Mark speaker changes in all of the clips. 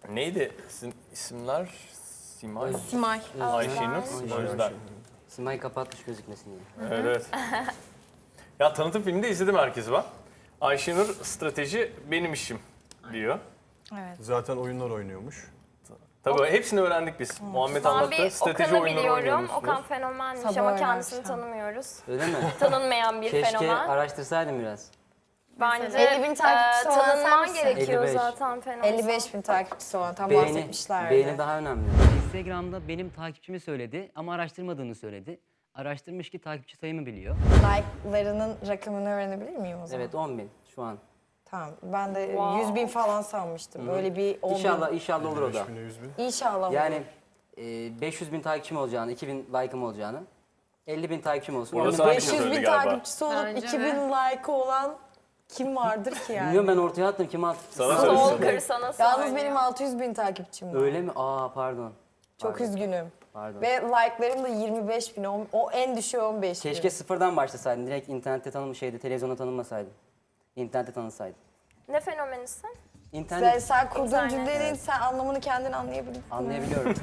Speaker 1: Neydi isimler? Simay.
Speaker 2: Simay.
Speaker 1: Ayşenur. O yüzden.
Speaker 3: Simay kapatmış gözükmesin diye.
Speaker 1: Evet, evet. Ya tanıtım filminde izledim herkes var. Ayşenur strateji benim işim diyor.
Speaker 2: Evet.
Speaker 4: Zaten oyunlar oynuyormuş.
Speaker 1: Tabii hepsini öğrendik biz. Muhammed
Speaker 5: Ben
Speaker 1: anlattı.
Speaker 5: bir
Speaker 1: Strateji
Speaker 5: Okan'ı
Speaker 1: oyunları
Speaker 5: biliyorum.
Speaker 1: oynuyormuşsunuz.
Speaker 5: Okan fenomenmiş
Speaker 2: Sabah
Speaker 5: ama
Speaker 2: öğrenmiş
Speaker 5: kendisini
Speaker 2: ha.
Speaker 5: tanımıyoruz.
Speaker 3: Öyle mi?
Speaker 5: Tanınmayan bir
Speaker 3: Keşke
Speaker 5: fenomen.
Speaker 3: araştırsaydım biraz.
Speaker 5: Bence
Speaker 2: 50.000 takipçisi olan sen
Speaker 5: tanınman
Speaker 2: misin?
Speaker 5: gerekiyor
Speaker 3: 55.
Speaker 5: zaten fenomen.
Speaker 2: 55.000 takipçisi olan tam
Speaker 3: Beğeni,
Speaker 2: bahsetmişlerdi.
Speaker 3: beğeni daha önemli.
Speaker 6: Instagram'da benim takipçimi söyledi ama araştırmadığını söyledi. Araştırmış ki takipçi sayımı biliyor.
Speaker 2: Like'larının rakamını öğrenebilir miyim o zaman?
Speaker 3: Evet 10.000 şu an.
Speaker 2: Tamam. Ben de
Speaker 5: Wow.
Speaker 2: 100.000 falan sanmıştım. Böyle bir 10.000.
Speaker 3: İnşallah olur o da.
Speaker 4: 5000'e 100 bin.
Speaker 2: İnşallah.
Speaker 3: Yani 500.000 takipçim olacağını, 2.000 like'ım olacağını, 50.000 takipçim olsun.
Speaker 1: Orada
Speaker 3: 10.000
Speaker 1: sana bir
Speaker 3: takipçim-
Speaker 1: şey
Speaker 2: 500.000
Speaker 1: söyledi galiba.
Speaker 2: takipçisi olup
Speaker 7: Bence
Speaker 2: 2000 like'ı olan kim vardır ki yani?
Speaker 3: Bilmiyorum ben ortaya attım kim attı?
Speaker 1: Sana söyledi.
Speaker 5: Stalker sana
Speaker 2: Yalnız
Speaker 5: söylüyor.
Speaker 2: benim 600.000 takipçim var.
Speaker 3: Öyle mi? Aa pardon.
Speaker 2: Çok üzgünüm.
Speaker 3: Pardon.
Speaker 2: Ve like'larım da 25.000. O en düşüğü 15.000.
Speaker 3: Keşke sıfırdan başlasaydın. Direkt internette televizyonda tanınmasaydın. İnternette tanınsaydın.
Speaker 5: Ne fenomenisin?
Speaker 3: İnternet
Speaker 2: Sen kurduğun
Speaker 5: İnternet.
Speaker 2: cümlenin sen anlamını kendin anlayabilirsin.
Speaker 3: anlayabiliyorum.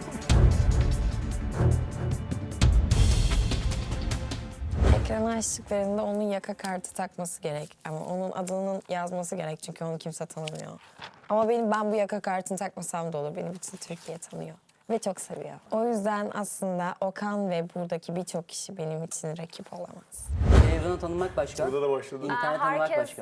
Speaker 2: Ekrana açtıklarında onun yaka kartı takması gerek. Ama onun adının yazması gerek çünkü onu kimse tanımıyor. Ama ben bu yaka kartını takmasam da olur. Beni bütün Türkiye tanıyor. Ve çok seviyor. O yüzden aslında Okan ve buradaki birçok kişi benim için rakip olamaz.
Speaker 3: Televizyonda tanınmak başka.
Speaker 1: Burada da başladı.
Speaker 3: İnternet tanınmak
Speaker 5: Herkes
Speaker 3: başka.